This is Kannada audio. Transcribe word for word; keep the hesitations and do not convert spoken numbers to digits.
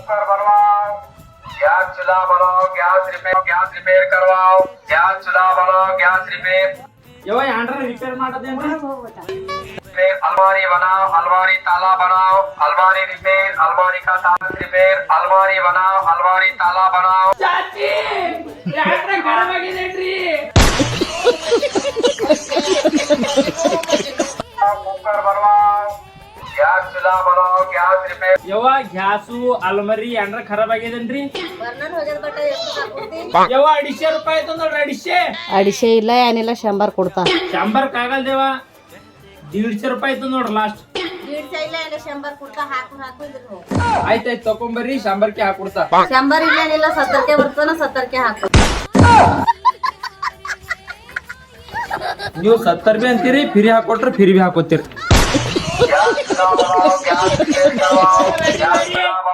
कुकर बनवाओ, गैस चूल्हा बनाओ, गैस रिपेयर गैस रिपेयर करवाओ, गैस चूल्हा बनाओ, गैस रिपेयर ಯವ್ವ ಯಾಂಡ್ರ ರಿಪೇರ್ ಮಾಡೋದೇನ್ರಿ रिपेयर अलमारी बनाओ, अलमारी ताला बनाओ, अलमारी रिपेयर अलमारी का ताला रिपेयर अलमारी बनाओ, अलमारी ताला बनाओ। ಚಾಚಿ ಯಾಂಡ್ರ ಖರಾಬ್ ಆಗಿದೇನ್ರಿ कुकर बनवाओ, गैस चूल्हा बनाओ, गैस रिपेयर ಯವ್ವ ಗ್ಯಾಸು ಅಲ್ಮರಿ ಯಾಂಡ್ರ ಖರಾಬ್ ಆಗಿದೇನ್ರಿ ಬರ್ನರ್ ಹೋಗ್ಯದ ಬಟ್ಟ ಎಷ್ಟು ಹಾಕ್ಬಿಡ್ತಿ ಯವ್ವ ಅಡಿಶೆ ರೂಪಾಯಿ ಆಯ್ತು ನೋಡ್ರಿ ಅಡಿಶೆ ಅಡಿಶೆ ಇಲ್ಲ ಏನಿಲ್ಲ ಶಂಬರ್ ಕೊಡ್ತಾ ಶಂಬರ್ ಕಾಗಲ್ ದೇವ ದೀಡ್ಶೆ ರೂಪಾಯಿ ಆಯ್ತು ನೋಡ್ರಿ ಲಾಸ್ಟ್ ದೀಡ್ಸೆ ಇಲ್ಲ ಏನಿಲ್ಲ ಶಂಬರ್ ಕೊಡ್ತಾ ಹಾಕು ಹಾಕು ಇದ್ರು ಆಯ್ತಾಯ್ತು ತಕೊಂಬರ್ರಿ ಶಂಬರ್ಕೆ ಹಾಕೊಡ್ತಾ ಶಂಬರ್ ಇಲ್ಲ ಏನಿಲ್ಲ ಸತ್ತರ್ಕೆ ಬರ್ತಾನ ಸತ್ತರ್ಕೆ ಹಾಕು ನೀವು ಸತ್ತರ್ ಬಿ ಅಂತೀರಿ ಫಿರಿ ಹಾಕೊಟ್ರೆ ಫಿರಿ ಬಿ ಹಾಕೋತೀರಿ गैस चूल्हा बनाओ, गैस रिपेयर करवाओ, गैस चूल्हा